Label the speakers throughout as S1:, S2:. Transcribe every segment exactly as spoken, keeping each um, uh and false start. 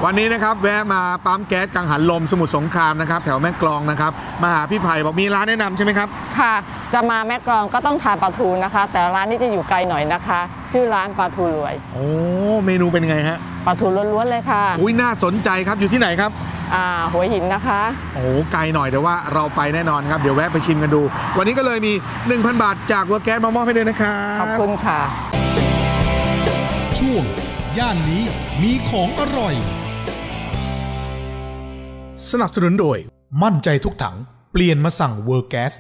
S1: วันนี้นะครับแวะมาปั๊มแก๊สกังหันลมสมุทรสงครามนะครับแถวแม่กลองนะครับมาหาพี่ไผ่บอกมีร้านแนะนำใช่ไหมครับ
S2: ค่ะจะมาแม่กลองก็ต้องทานปลาทูนะคะ แต่ร้านนี้จะอยู่ไกลหน่อยนะคะชื่อร้านปลาทูรวย
S1: โอ้เมนูเป็นไงฮะ
S2: ปลาทูล้วนๆเลยค่ะ
S1: อุ้ยน่าสนใจครับอยู่ที่ไหนครับ
S2: อ่าหัวหินนะคะ
S1: โอ้ไกลหน่อยแต่ว่าเราไปแน่นอนครับเดี๋ยวแวะไปชิมกันดูวันนี้ก็เลยมี หนึ่งพัน บาทจากเวอร์แก๊สมามอบให้ด้วยนะครับ
S2: ขอบคุณค่ะ
S3: ช่วงย่านนี้มีของอร่อยสนับสนุนโดยมั่นใจทุกถังเปลี่ยนมาสั่งเวอร์แก๊ส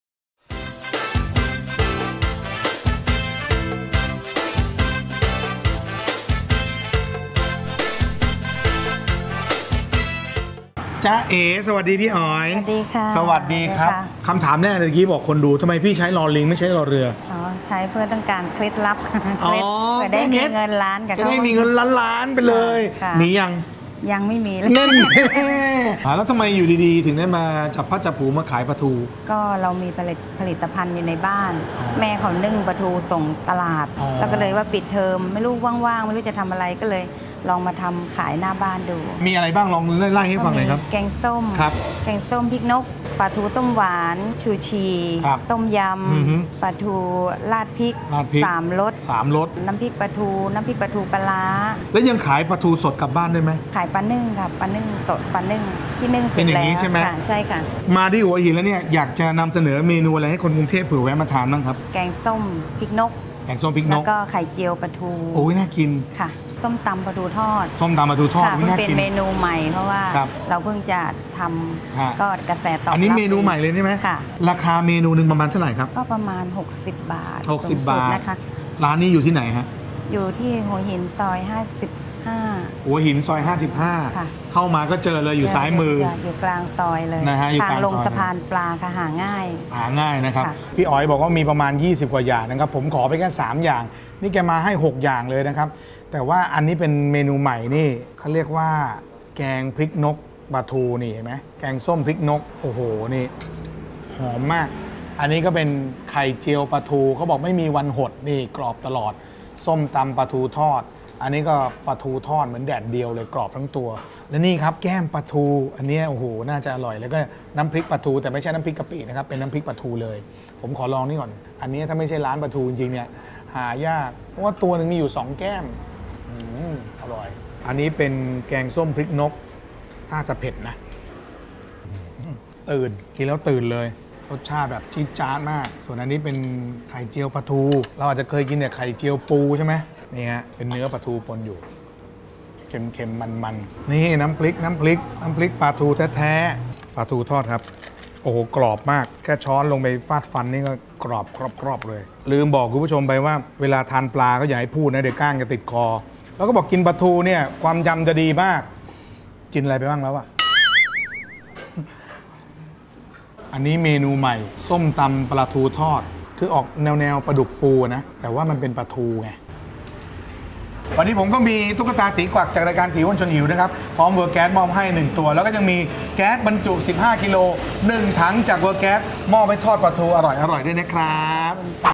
S1: จ้าเอ๋สวัสดีพี่อ๋อย
S4: สวัสดีค่ะ
S1: สวัสดีครับคำถามแรกเมื่อกี้บอกคนดูทำไมพี่ใช้ลอลิงไม่ใช้ลอเรือ
S4: อ๋อใช้เพื่อต้องการเคล็ดลับเคล็ดเพื่อได้มีเงินล้านกับ
S1: เขาจะได้มีเงินล้านล้านไปเลยมียัง
S4: ยังไม่มีเลย
S1: นั่นแล้วทำไมอยู่ดีๆถึงได้มาจับพัดจับผูมาขายปลาทู
S4: ก็เรามีผลิตผลิตภัณฑ์อยู่ในบ้านแม่เขานึ่งปลาทูส่งตลาดแล้วก็เลยว่าปิดเทอมไม่รู้ว่างๆไม่รู้จะทำอะไรก็เลยลองมาทำขายหน้าบ้านดู
S1: มีอะไรบ้างลองไล่ให้ฟังหน่อยครับ
S4: แกงส้มแกงส้มพริกนกปลาทูต้มหวานชูชีต้มยำปลาทูราดพริกสามรส
S1: สามรส
S4: น้ำพริกปลาทูน้ำพริกปลาทูปลา
S1: แล้วยังขายปลาทูสดกลับบ้านได้ไหม
S4: ขายปลานึ่งค่ะปลานึ่งสดปลานึ่งที่นึ่งเสร็จแล้ว
S1: ใช่ไหม
S4: ใช่ค่ะ
S1: มาที่หัวหินแล้วเนี่ยอยากจะนำเสนอเมนูอะไรให้คนกรุงเทพเผื่อแวะมาทานบ้างครับ
S4: แกงส้มพริกนก
S1: แกงส้มพริกนก
S4: แล้วก็ไข่เจียวปลาทู
S1: โอ้ยน่ากิน
S4: ค่ะส้มตำปลาทูทอด
S1: ส้มตำปลาทูทอด
S4: เพิ่งเป็นเมนูใหม่เพราะว่าเราเพิ่งจะทำก็กระแสตอบรับ
S1: อันนี้เมนูใหม่เลยใช่ไหม
S4: ค่ะ
S1: ราคาเมนูหนึ่งประมาณเท่าไหร่ครับ
S4: ก็ประมาณหกสิบบาท
S1: หกสิบบาทนะคะร้านนี้อยู่ที่ไหนฮะ
S4: อยู่ที่หัวหินซอยห้าสิบห้า
S1: หัวหินซอยห้าสิบห้าเข้ามาก็เจอเลยอยู่ซ้ายมือ
S4: อยู่กลางซอยเลย
S1: นะฮะ
S4: ทางลงสะพานปลาค่ะหาง่าย
S1: หาง่ายนะครับพี่อ๋อยบอกว่ามีประมาณยี่สิบกว่าอย่างนะครับผมขอไปแค่สามอย่างนี่แกมาให้หกอย่างเลยนะครับแต่ว่าอันนี้เป็นเมนูใหม่นี่เขาเรียกว่าแกงพริกนกปลาทูนี่เห็นไหมแกงส้มพริกนกโอ้โหนี่หอมมากอันนี้ก็เป็นไข่เจียวปลาทูเขาบอกไม่มีวันหดนี่กรอบตลอดส้มตำปลาทูทอดอันนี้ก็ปลาทูทอดเหมือนแดดเดียวเลยกรอบทั้งตัวและนี่ครับแก้มปลาทูอันนี้โอ้โหน่าจะอร่อยแล้วก็น้ำพริกปลาทูแต่ไม่ใช่น้ำพริกกะปินะครับเป็นน้ำพริกปลาทูเลยผมขอลองนี่ก่อนอันนี้ถ้าไม่ใช่ร้านปลาทูจริงๆเนี่ยหายากเพราะว่าตัวหนึ่งมีอยู่สองแก้มอร่อยอันนี้เป็นแกงส้มพริกนกน่าจะเผ็ดนะตื่นกินแล้วตื่นเลยรสชาติแบบจี๊ดจ๊าดมากส่วนอันนี้เป็นไข่เจียวปลาทูเราอาจจะเคยกินแต่ไข่เจียวปูใช่ไหมนี่ฮะเป็นเนื้อปลาทูปนอยู่เค็มๆมันๆนี่น้ำพริกน้ำพริกน้ำพริกปลาทูแท้ๆปลาทูทอดครับโอ้โหกรอบมากแค่ช้อนลงไปฟาดฟันนี่ก็กรอบกรอบๆเลยลืมบอกคุณผู้ชมไปว่าเวลาทานปลาก็อย่าให้พูดนะเดี๋ยวก้างจะติดคอแล้วก็บอกกินปลาทูเนี่ยความจำจะดีมากกินอะไรไปบ้างแล้วอะอันนี้เมนูใหม่ส้มตำปลาทูทอดคือออกแนวแนวปลาดุกฟูนะแต่ว่ามันเป็นปลาทูไงวันนี้ผมก็มีตุ๊กตาตีกวักจากรายการตีอ้วนชวนหิวนะครับพร้อมเวอร์แก๊สมอบให้หนึ่งตัวแล้วก็ยังมีแก๊สบรรจุสิบห้ากิโลหนึ่งถังจากเวอร์แก๊สมอบให้ทอดปลาทูอร่อยๆด้วยนะครับ